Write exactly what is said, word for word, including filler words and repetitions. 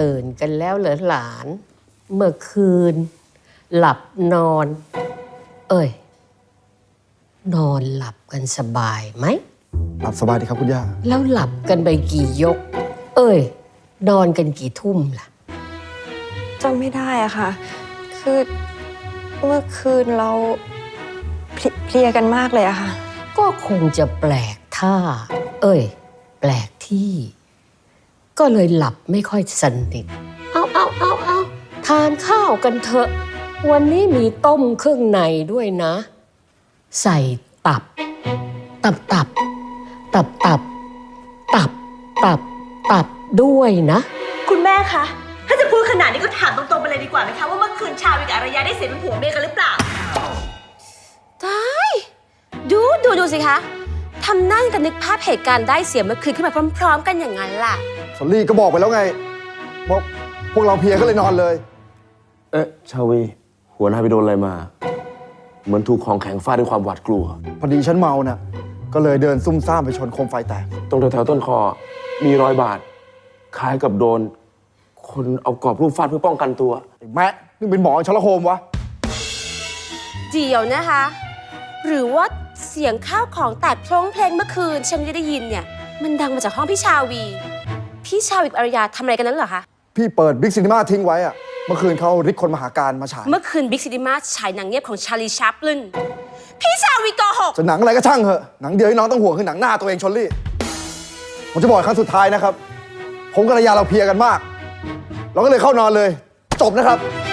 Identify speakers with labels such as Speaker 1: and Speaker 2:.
Speaker 1: ตื่นกันแล้วเหรอหลาน เมื่อคืน หลับนอน เอ้ย นอนหลับกันสบายไหม
Speaker 2: หลับสบายดีครับคุณย่า
Speaker 1: แล้วหลับกันไปกี่ยก เอ้ย นอนกันกี่ทุ่มล่ะ
Speaker 3: จำไม่ได้อะค่ะ คือเมื่อคืนเราเพลียกันมากเลยอะค่ะ
Speaker 1: ก็คงจะแปลกท่า เอ้ย แปลกที่ ก็เลยหลับไม่ค่อยสนิท เอาเอาเอาเอาทานข้าวกันเถอะ วันนี้มีต้มเครื่องในด้วยนะ ใส่ตับ ตับตับ ตับตับ ตับตับ ตับด้วยนะ
Speaker 4: คุณแม่คะ ถ้าจะพูดขนาดนี้ก็ถามตรงๆไปเลยดีกว่าไหมคะว่าเมื่อคืนชาวิกับอารยาได้เสียเป็นผัวเมียกันหรือเปล่า
Speaker 5: ตายดูดูดูสิคะทำหน้ากันนึกภาพเหตุการณ์ได้เสียเมื่อคืนขึ้นมาพร้อมๆกันอย่างนั้นล่ะ
Speaker 2: สอรี่ก็บอกไปแล้วไงว่าพวกเราเพลียก็เลยนอนเลย
Speaker 6: เอ๊ะชาวี หัวหน้าไปโดนอะไรมา เหมือนถูกของแข็งฟาดด้วยความหวาดกลัว
Speaker 2: พอดีฉันเมาน่ะ ก็เลยเดินซุ่มซ่ามไปชนโคมไฟแตก
Speaker 6: ตรงแถวๆต้นคอ มีรอยบาด คล้ายกับโดน คนเอากรอบรูปฟาดเพื่อป้องกันตัว
Speaker 2: ไอ้แมะนี่เป็นหมอชลโคมวะ
Speaker 5: เดี๋ยวนะคะ หรือว่าเสียงข้าวของแตกโพล่งเพลงเมื่อคืนฉันไม่ได้ยินเนี่ย มันดังมาจากห้องพี่ชาวี พี่ชาวีกับอารยาทำอะไรกันนั้นเหรอคะ
Speaker 2: พี่เปิดบิ๊กซีนีมาทิ้งไว้อะเมื่อคืนเขาริดคนมหาการมาฉาย
Speaker 5: เมื่อคืนบิ๊กซีนีมาฉายหนังเงียบของชาลีชัปลินพี่ชาวีโกหก
Speaker 2: จะหนังอะไรก็ช่างเหอะหนังเดียวที่น้องต้องห่วงคือหนังหน้าตัวเองชลลี่ ผมจะบอกครั้งสุดท้ายนะครับ ผมกับภรรยาเราเพลียกันมาก เราก็เลยเข้านอนเลย จบนะครับ